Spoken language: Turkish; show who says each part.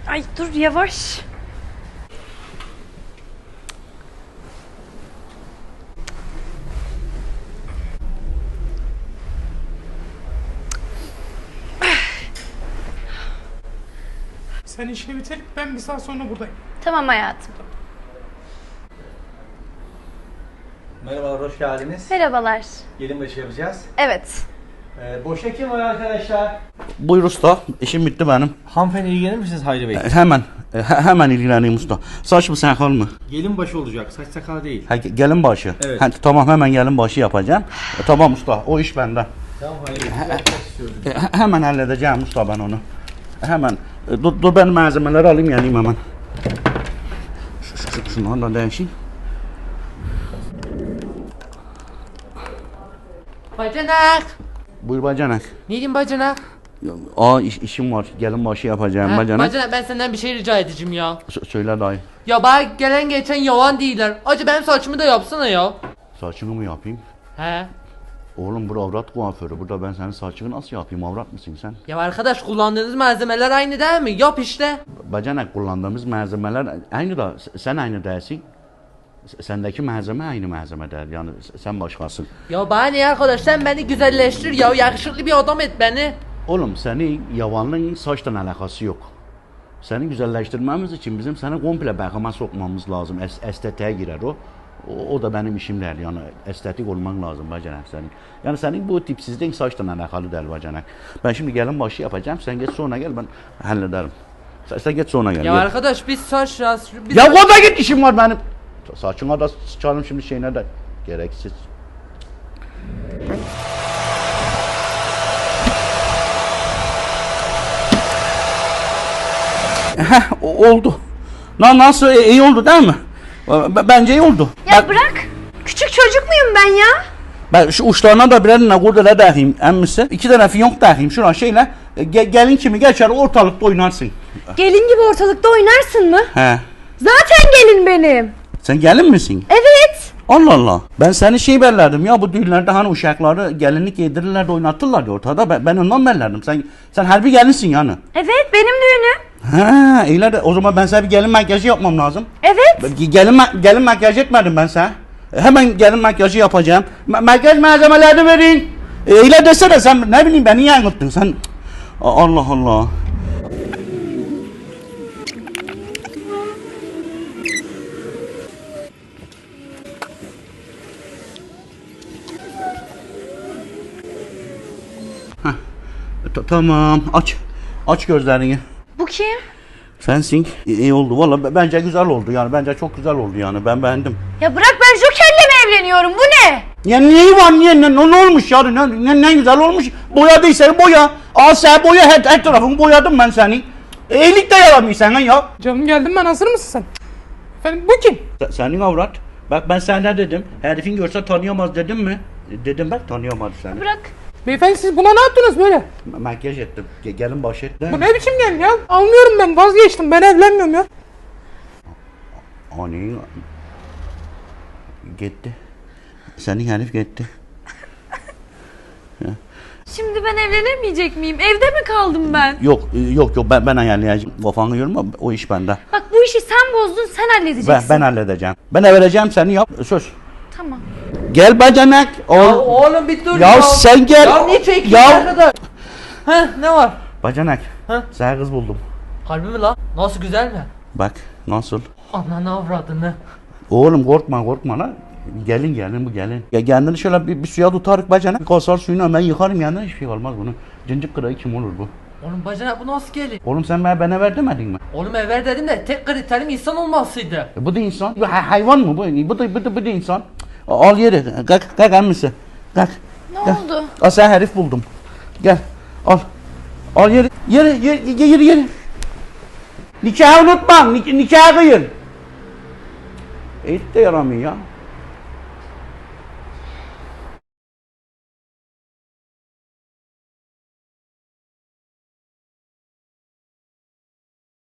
Speaker 1: Ay dur yavaş.
Speaker 2: Sen işini bitir, ben bir saat sonra buradayım.
Speaker 1: Tamam hayatım.
Speaker 3: Merhabalar, hoş geldiniz.
Speaker 1: Merhabalar.
Speaker 3: Gelin başı yapacağız.
Speaker 1: Evet.
Speaker 3: Boşa kim var arkadaşlar?
Speaker 4: Buyur usta, işim bitti benim.
Speaker 3: Hanımefendi ilgilenir misiniz Hayri Bey?
Speaker 4: Hemen ilgileneyim usta. Saç mı sakal mı?
Speaker 3: Gelin başı olacak, saç sakal değil.
Speaker 4: Gelin başı.
Speaker 3: Evet.
Speaker 4: Tamam, hemen gelin başı yapacağım. Tamam usta, o iş bende.
Speaker 3: Tamam Hayri Bey, yapmak istiyorum.
Speaker 4: Hemen halledeceğim usta ben onu. Hemen. Dur ben malzemeleri alayım geleyim hemen. Şunu da değişeyim.
Speaker 5: Bacanak.
Speaker 4: Buyur bacanak.
Speaker 5: Ne diyeyim bacanak?
Speaker 4: İşim var. Gelin başı yapacağım
Speaker 5: Ha,
Speaker 4: bacanak.
Speaker 5: bacanak ben senden bir şey rica edeceğim ya.
Speaker 4: Söyle dayı.
Speaker 5: Ya bana gelen geçen yalan değiller. Acı benim saçımı da yapsana ya.
Speaker 4: Saçını mı yapayım?
Speaker 5: He.
Speaker 4: Oğlum bu avrat kuaförü. Burada ben senin saçını nasıl yapayım? Avrat mısın sen?
Speaker 5: Ya arkadaş kullandığınız malzemeler aynı değil mi? Yap işte.
Speaker 4: Bacanak kullandığımız malzemeler aynı da sen aynı değilsin. Sendeki malzeme aynı malzeme değil. Yani sen başkasın.
Speaker 5: Ya bana ne arkadaş sen beni güzelleştir ya. Yakışıklı bir adam et beni.
Speaker 4: Oğlum senin yavanlığın saçtan alakası yok. Seni güzelleştirmemiz için bizim seni komple bakıma sokmamız lazım. Estetiğe girer o. O da benim işim değil. Yani estetik olman lazım bacanak senin. Yani senin bu tipsizliğin saçtan alakalı değil bacanak. Ben şimdi gelin başı yapacağım. Sen geç sonra gel ben hallederim. Sen geç sonra gel.
Speaker 5: Ya
Speaker 4: gel.
Speaker 5: arkadaş biz saç ya. Biz
Speaker 4: Ya o da git işim var benim. Saçına da sıçarım şimdi şeyine de. Gereksiz. Oldu. Nasıl iyi oldu değil mi? Bence iyi oldu.
Speaker 1: Ya bırak. Küçük çocuk muyum ben ya?
Speaker 4: Ben şu uçlarına da birer kurdele dağayım emmisi. 2 tane fiyonk dağayım şuna şeyle. Gelin kimi geçer ortalıkta oynarsın.
Speaker 1: Gelin gibi ortalıkta oynarsın mı?
Speaker 4: He.
Speaker 1: Zaten gelin benim.
Speaker 4: Sen gelin misin?
Speaker 1: Evet.
Speaker 4: Allah Allah. Ben seni şey bellerdim ya bu düğünlerde hani uşakları gelinlik yedirirler de oynatırlar ya ortada. Ben ondan bellerdim. Sen harbi gelinsin yani.
Speaker 1: Evet benim düğünüm.
Speaker 4: Ha, iyiler de o zaman ben sana bir gelin makyajı yapmam lazım.
Speaker 1: Evet.
Speaker 4: Gelin makyaj etmedim ben sana. Hemen gelin makyajı yapacağım. Makyaj malzemelerini verin. İyiler desene sen ne bileyim beni yanılttın sen. Allah Allah. Tamam aç gözlerini.
Speaker 1: Bu kim?
Speaker 4: Sensin. İyi oldu valla bence güzel oldu yani bence çok güzel oldu yani ben beğendim.
Speaker 1: Ya bırak ben Joker'le mi evleniyorum? Bu ne?
Speaker 4: Ya neyi var niye ne olmuş ya ne güzel olmuş boyadıysa boya. Al sen boya her tarafını boyadım ben senin. İyilik de yaramıyor sana ya.
Speaker 2: Canım geldim ben, hazır mısın sen? Efendim bu kim?
Speaker 4: Senin avrat. Bak ben sana dedim herifin görse tanıyamaz dedim mi? Dedim bak tanıyamadı seni.
Speaker 1: Bırak.
Speaker 2: Beyefendi siz buna ne yaptınız böyle?
Speaker 4: Makyaj ettim. Gelin başı et.
Speaker 2: Bu ne biçim gelin ya? Almıyorum ben, vazgeçtim, ben evlenmiyorum ya.
Speaker 4: Ani gitti. Senin herif gitti.
Speaker 1: Şimdi ben evlenemeyecek miyim? Evde mi kaldım ben?
Speaker 4: Yok ben ayarlayacağım. Kafanı yorma o iş bende.
Speaker 1: Bak bu işi sen bozdun, sen halledeceksin.
Speaker 4: Ben halledeceğim. Ben vereceğim seni yap söz.
Speaker 1: Tamam.
Speaker 4: Gel bacanak.
Speaker 5: Ya oğlum bir dur
Speaker 4: Ya sen gel.
Speaker 5: Ya niye çekiyorsun
Speaker 4: Ya.
Speaker 5: arkadaş? Heh ne var?
Speaker 4: Bacanak.
Speaker 5: Ha?
Speaker 4: Sana kız buldum.
Speaker 5: Harbi mi lan? Nasıl güzel mi?
Speaker 4: Bak nasıl?
Speaker 5: Ananı avradını.
Speaker 4: Oğlum korkma lan. Gelin bu gelin. Ya kendini şöyle bir suya tutarık bacanak. Kasar suyunu ben yıkarım yanına hiçbir şey olmaz bunu. Cincik kırığı kim olur bu?
Speaker 5: Oğlum bacanak bu nasıl gelin?
Speaker 4: Oğlum sen bana ver demedin mi?
Speaker 5: Oğlum ver dedim de tek kriterim insan olmasıydı.
Speaker 4: Bu da insan. Bu hayvan mı bu? Bu da insan. Al yeri. Kalk emmisi. Kalk.
Speaker 1: Ne
Speaker 4: Gel.
Speaker 1: oldu?
Speaker 4: Al sen herif buldum. Gel. Al. Al yeri. Nikahı unutma. Nikahı kıyın. Et de yaramıyor ya.